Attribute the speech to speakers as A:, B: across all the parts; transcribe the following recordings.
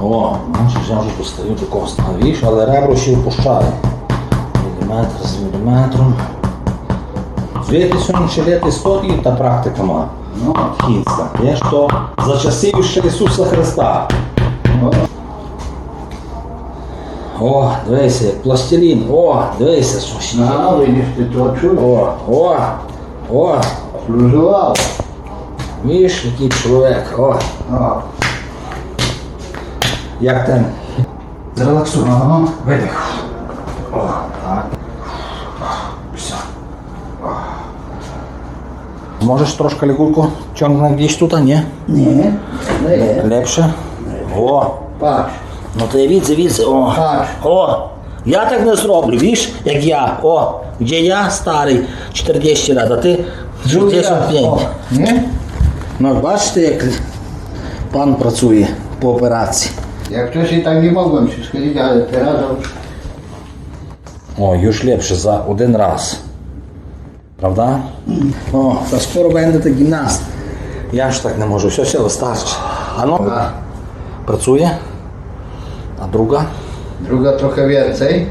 A: О, бачиш, я вже достаю такого становіш, але ребро ще впущаю. Міліметр з міліметром. Звідти сьогодні ще літи стотки та практика має.
B: Ну,
A: Кінська. Є що за часів ще Ісуса Христа. О, дивися, як пластилін. О, дивися, що ще.
B: ага, видиш, ти то чуєш?
A: О.
B: Служував.
A: Видиш, який чоловік. О.
B: О,
A: Як там? Зрелаксуй.
B: ага.
A: Видих. О, так. Все. Можеш трошки лягурку чорна гдіш тут, а ні?
B: Ні, не.
A: Лепше. О.
B: Пач.
A: Ну ти відси. О.
B: Пач.
A: О. Я так не зроблю, видиш, як я. О. Де я старий 40 років, а ти 65.
B: О, ні?
A: Ну бачите, як пан працює по операції.
B: Jak wcześniej tak nie mogłem się schylić, ale teraz
A: О, już ліпше за один раз. Правда? О, та скоро будете гімнаст. Я ж так не можу, все вистачить. А ну, працює. А друга?
B: druga trochę więcej.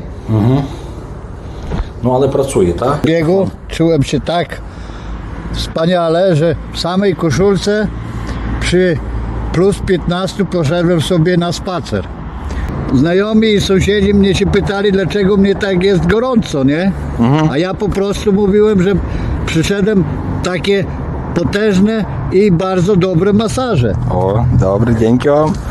A: Ну, але працює, так?
B: W biegu czułem się tak wspaniale, że w samej koszulce przy plus 15 poszedłem sobie na spacer. Znajomi i sąsiedzi mnie się pytali, dlaczego mnie tak jest gorąco, nie? A ja po prostu mówiłem, że przyszedłem takie potężne i bardzo dobre masaże.
A: О, добре, дякую.